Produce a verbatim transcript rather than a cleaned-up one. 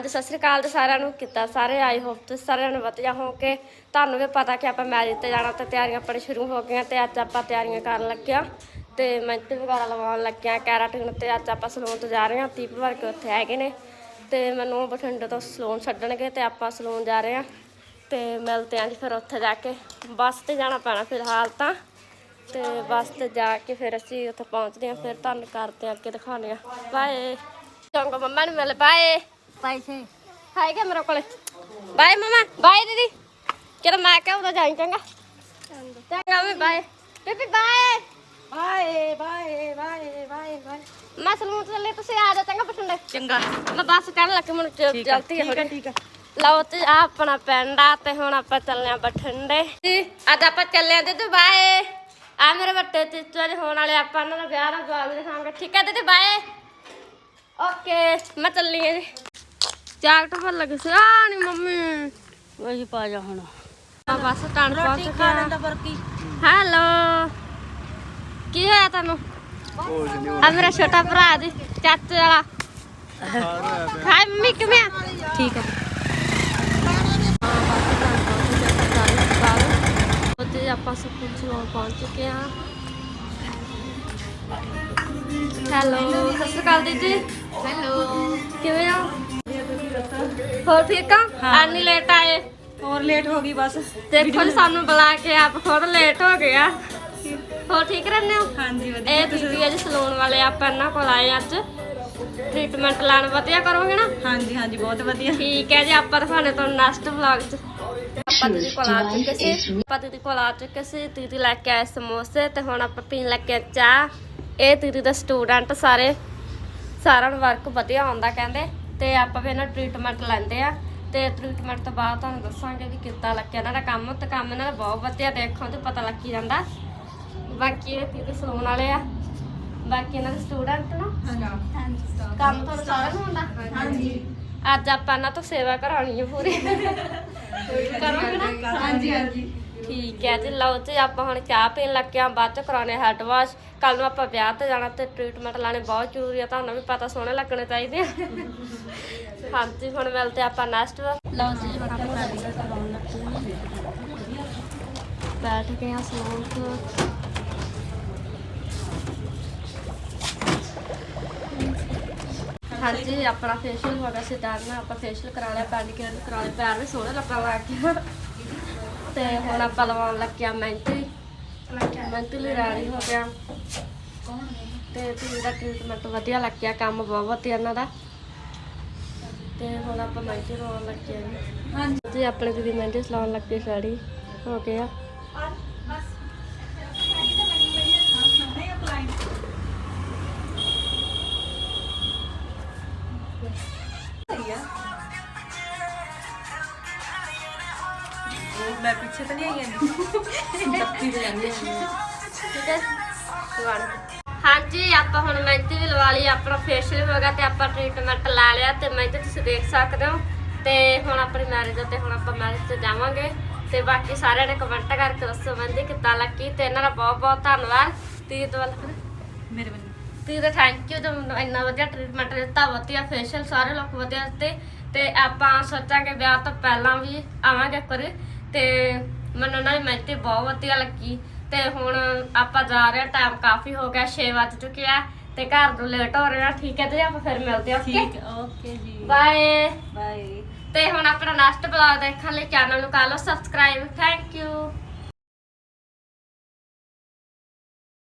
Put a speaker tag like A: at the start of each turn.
A: ਸਤਿ ਸ਼੍ਰੀ ਅਕਾਲ ਜੀ ਸਾਰਿਆਂ ਨੂੰ। ਕਿੱਦਾਂ ਸਾਰੇ? ਆਈ ਹੋਪ ਤੁਸੀਂ ਸਾਰਿਆਂ ਨੂੰ ਵਧੀਆ ਹੋਵੋਗੇ। ਤੁਹਾਨੂੰ ਵੀ ਪਤਾ ਕਿ ਆਪਾਂ ਮੈਰਿਜ ਤੇ ਜਾਣਾ ਤੇ ਤਿਆਰੀਆਂ ਆਪਣੀ ਸ਼ੁਰੂ ਹੋ ਗਈਆਂ ਤੇ ਅੱਜ ਆਪਾਂ ਤਿਆਰੀਆਂ ਕਰਨ ਲੱਗਿਆ ਤੇ ਮਹਿੰਦੀ ਵਗੈਰਾ ਲਗਾਉਣ ਲੱਗਿਆ ਕੈਰਾਟਿਨ ਤੇ ਅੱਜ ਆਪਾਂ ਸਲੂਨ ਤੋਂ ਜਾ ਰਹੇ ਹਾਂ। ਤੀਹ ਭਰ ਕੇ ਉੱਥੇ ਹੈਗੇ ਨੇ ਤੇ ਮੈਨੂੰ ਬਠਿੰਡੇ ਤੋਂ ਸਲੂਨ ਛੱਡਣਗੇ ਤੇ ਆਪਾਂ ਸਲੂਨ ਜਾ ਰਹੇ ਹਾਂ ਤੇ ਮਿਲਦੇ ਹਾਂ ਜੀ ਫਿਰ ਉੱਥੇ ਜਾ ਕੇ। ਬੱਸ ਤੇ ਜਾਣਾ ਪੈਣਾ ਫਿਲਹਾਲ ਤਾਂ ਤੇ ਬੱਸ ਤੇ ਜਾ ਕੇ ਫਿਰ ਅਸੀਂ ਉੱਥੇ ਪਹੁੰਚਦੇ ਹਾਂ। ਫਿਰ ਤੁਹਾਨੂੰ ਕਰਦੇ ਹਾਂ ਅੱਗੇ ਦਿਖਾਉਂਦੇ ਹਾਂ। ਬਾਏ। ਚੰਗਾ ਮੰਮਾ ਨੂੰ ਮਿਲ। ਬਾਏ। पैसे है क्या मेरे को? बाय मामा। बाय दीदी। चलो मैं क्या उधर जाएंगे चंगा चंगा मैं bye baby bye bye bye bye bye bye मैं सलून चले तुसी आ जा चंगा बठिंडे चंगा मैं बस चढ़ लगे मन जल्दी है ठीक है ਲਓ ਤੇ ਆ ਆਪਣਾ ਪਿੰਡ ਆ ਤੇ ਹੁਣ ਆਪਾਂ ਚੱਲਦੇ ਆ ਬਠਿੰਡੇ ਅੱਜ ਆਪਾਂ ਚੱਲੇ ਆ ਦੀਦੀ ਬਾਏ ਆ ਮੇਰੇ ਵੱਡੇ ਚੀਚਾ ਜੀ ਹੋਣ ਵਾਲੇ ਆਪਾਂ ਉਹਨਾਂ ਦਾ ਵਿਆਹ ਦਾ ਜਵਾਬ ਦਿਖਾਵਾਂਗੇ ਠੀਕ ਹੈ ਦੀਦੀ ਬਾਏ ਓਕੇ ਮੈਂ ਚੱਲੀ ਆ ਜੀ ਜਾਕਟ ਭਰ ਲੱਗੇ ਸੀ ਆ ਨੀ ਮੰਮੀ ਵਹੀ ਪਾ ਜਾ ਹੁਣ ਆ ਬਸ ਟਾਣ ਪਹੁੰਚ ਗਿਆ ਹੈਲੋ ਕੀ ਹੋਇਆ ਤੁਹਾਨੂੰ ਆ ਮੇਰਾ ਛੋਟਾ ਭਰਾ ਜੀ ਚਾਚੇ ਵਾਲਾ ਹਾਏ ਮੰਮੀ ਕਿਵੇਂ ਆ ਠੀਕ ਆ ਉੱਥੇ ਆਪਾਂ ਸਕੂਲ ਸਲੂਨ ਪਹੁੰਚ ਚੁੱਕੇ ਆ ਹੈਲੋ ਸਤਿ ਸ਼੍ਰੀ ਅਕਾਲ ਦੀਦੀ ਹੈਲੋ ਕਿਵੇਂ ਆ ਹੋਰ ਠੀਕ ਆ ਐਨੀ ਲੇਟ ਆਏ
B: ਹੋਰ ਲੇਟ ਹੋ ਗਈ ਬਸ
A: ਦੇਖੋ ਜੀ ਸਾਨੂੰ ਬੁਲਾ ਕੇ ਆਪ ਖੁਦ ਲੇਟ ਹੋ ਗਏ ਆ ਹੋਰ ਠੀਕ ਰਹਿੰਦੇ ਹੋ
B: ਹਾਂਜੀ ਵਧੀਆ
A: ਇਹ ਦੀਦੀ ਅੱਜ ਸਲੂਨ ਵਾਲੇ ਆਪਾਂ ਇਹਨਾਂ ਕੋਲ ਆਏ ਅੱਜ ਟ੍ਰੀਟਮੈਂਟ ਲਾਣ ਵਧੀਆ ਕਰੋਗੇ ਨਾ
B: ਹਾਂਜੀ ਹਾਂਜੀ ਬਹੁਤ ਵਧੀਆ
A: ਠੀਕ ਹੈ ਜੀ ਆਪਾਂ ਦਿਖਾਣੇ ਤੁਹਾਨੂੰ ਨੈਕਸਟ ਵਲੌਗ 'ਚ ਆਪਾਂ ਦੀਦੀ ਕੋਲ ਆ ਚੁੱਕੇ ਸੀ ਆਪਾਂ ਦੀਦੀ ਕੋਲ ਆ ਚੁੱਕੇ ਸੀ ਦੀਦੀ ਲੈ ਕੇ ਆਏ ਸਮੋਸੇ ਤੇ ਹੁਣ ਆਪਾਂ ਪੀਣ ਲੱਗੇ ਚਾਹ ਇਹ ਦੀਦੀ ਦਾ ਸਟੂਡੈਂਟ ਸਾਰੇ ਸਾਰਿਆਂ ਨੂੰ ਵਰਕ ਵਧੀਆ ਆਉਂਦਾ ਕਹਿੰਦੇ ਤੇ ਆਪਾਂ ਵੀ ਇਹਨਾਂ ਟ੍ਰੀਟਮੈਂਟ ਲੈਂਦੇ ਆ ਤੇ ਟ੍ਰੀਟਮੈਂਟ ਤੋਂ ਬਾਅਦ ਤੁਹਾਨੂੰ ਦੱਸਾਂਗੇ ਵੀ ਕਿੱਦਾਂ ਲੱਗਿਆ ਇਹਨਾਂ ਦਾ ਕੰਮ ਤੇ ਕੰਮ ਇਹਨਾਂ ਦਾ ਬਹੁਤ ਵਧੀਆ ਦੇਖੋ ਤੇ ਪਤਾ ਲੱਗ ਜਾਂਦਾ ਬਾਕੀ ਇਹ ਦੀਦੀ ਸਲੂਨ ਵਾਲੇ ਆ ਬਾਕੀ ਇਹਨਾਂ ਦੇ ਸਟੂਡੈਂਟ ਨਾ ਕੰਮ ਤੁਹਾਨੂੰ ਸਾਰਿਆਂ ਨੂੰ ਹੁੰਦਾ ਹਾਂਜੀ ਅੱਜ ਆਪਾਂ ਇਹਨਾਂ ਤੋਂ ਸੇਵਾ ਕਰਾਉਣੀ ਹੈ ਪੂਰੀ ਕਰੋਗੇ ਨਾ
B: ਹਾਂਜੀ ਹਾਂਜੀ
A: ਠੀਕ ਹੈ ਜੀ ਲਓ ਜੀ ਆਪਾਂ ਹੁਣ ਚਾਹ ਪੀਣ ਲੱਗੇ ਆ ਬਾਅਦ ਚ ਕਰਾਉਣੇ ਹੈਡ ਵਾਸ਼ ਕੱਲ ਨੂੰ ਆਪਾਂ ਵਿਆਹ ਤੇ ਜਾਣਾ ਤੇ ਟ੍ਰੀਟਮੈਂਟ ਲਾਣੇ ਬਹੁਤ ਜ਼ਰੂਰੀ ਆ ਤੁਹਾਨੂੰ ਵੀ ਪਤਾ ਸੋਹਣੇ ਲੱਗਣੇ ਚਾਹੀਦੇ ਆ ਹਾਂਜੀ ਹੁਣ ਮਿਲਦੇ ਆਪਾਂ ਨੈਕਸਟ ਲਓ ਜੀ ਹੁਣ ਆਪਾਂ ਰੈਡੀ ਕਰਾਉਣ ਲੱਗੇ ਬੈਠ ਗਏ ਆ ਸਲੂਨ ਤੋਂ ਹਾਂਜੀ ਆਪਣਾ ਫੇਸ਼ੀਅਲ ਹੋ ਗਿਆ ਸੀ ਡਨ ਆਪਾਂ ਫੇਸ਼ੀਅਲ ਕਰਾ ਲਿਆ ਪੈਡੀਕਿਅਰ ਕਰਾ ਲਿਆ ਪੈਰ ਵੀ ਸੋਹਣੇ ਲੱਗਣ ਲੱਗ ਗਿਆ ਤੇ ਹੁਣ ਆਪਾਂ ਲਵਾਉਣ ਲੱਗਿਆ ਮਹਿੰਦੀ ਮਹਿੰਦੀ ਲਈ ਰੈਡੀ ਹੋ ਗਿਆ ਤੇ ਤੁਸੀਂ ਦਾ ਟ੍ਰੀਟਮੈਂਟ ਵਧੀਆ ਲੱਗਿਆ ਕੰਮ ਬਹੁਤ ਵਧੀਆ ਇਹਨਾਂ ਦਾ ਤੇ ਹੁਣ ਆਪਾਂ ਮਹਿੰਦੀ ਲਵਾਉਣ ਲੱਗੇ ਜੀ ਹਾਂਜੀ ਆਪਣੇ ਦੀਦੀ ਮਹਿੰਦੀ ਲਾਉਣ ਲੱਗੇ ਰੈਡੀ ਹੋ ਗਿਆ
B: मैं पीछे तो नहीं आई
A: ਠੀਕ ਹੈ ਹਾਂਜੀ ਆਪਾਂ ਹੁਣ ਮਹਿੰਦੀ ਵੀ ਲਵਾ ਲਈ ਆਪਣਾ ਫੇਸ਼ੀਅਲ ਹੋ ਗਿਆ ਤੇ ਆਪਾਂ ਟ੍ਰੀਟਮੈਂਟ ਲਾ ਲਿਆ ਤੇ ਮਹਿੰਦੀ ਤੁਸੀਂ ਦੇਖ ਸਕਦੇ ਹੋ ਤੇ ਹੁਣ ਆਪਣੀ ਮੈਰਿਜ ਤੇ ਹੁਣ ਆਪਾਂ ਮੈਰਿਜ ਤੇ ਜਾਵਾਂਗੇ ਤੇ ਬਾਕੀ ਸਾਰਿਆਂ ਨੇ ਕਮੈਂਟ ਕਰਕੇ ਦੱਸੋ ਮਹਿੰਦੀ ਕਿੱਦਾਂ ਲੱਗੀ ਤੇ ਇਹਨਾਂ ਦਾ ਬਹੁਤ ਬਹੁਤ ਧੰਨਵਾਦ ਤੀ ਤੋਂ
B: ਮੇਰੇ ਵੱਲੋਂ
A: ਤੀ ਦਾ ਥੈਂਕ ਯੂ ਜੋ ਇੰਨਾ ਵਧੀਆ ਟ੍ਰੀਟਮੈਂਟ ਦਿੱਤਾ ਵਧੀਆ ਫੇਸ਼ੀਅਲ ਸਾਰੇ ਲੋਕ ਵਧੀਆ ਦਿੱਤੇ ਤੇ ਆਪਾਂ ਸੋਚਾਂਗੇ ਵਿਆਹ ਤੋਂ ਪਹਿਲਾਂ ਵੀ ਆਵਾਂਗੇ ਕਰੇ ਤੇ ਮੈਨੂੰ ਉਹਨਾਂ ਦੀ ਮਹਿੰਦੀ ਬਹੁਤ ਵਧੀਆ ਲੱਗੀ ਤੇ ਹੁਣ ਆਪਾਂ ਜਾ ਰਹੇ ਹਾਂ ਟਾਈਮ ਕਾਫੀ ਹੋ ਗਿਆ ਛੇ ਵੱਜ ਚੁੱਕੇ ਆ ਤੇ ਘਰ ਨੂੰ ਲੇਟ ਹੋ ਰਹੇ ਆ ਠੀਕ ਹੈ ਤੇ ਆਪਾਂ ਫਿਰ ਮਿਲਦੇ ਹਾਂ
B: ਠੀਕ ਓਕੇ ਜੀ
A: ਬਾਏ
B: ਬਾਏ
A: ਤੇ ਹੁਣ ਆਪਣਾ ਨੈਕਸਟ ਵਲੌਗ ਦੇਖਣ ਲਈ ਚੈਨਲ ਨੂੰ ਕਰ ਲਓ ਸਬਸਕ੍ਰਾਈਬ ਥੈਂਕ ਯੂ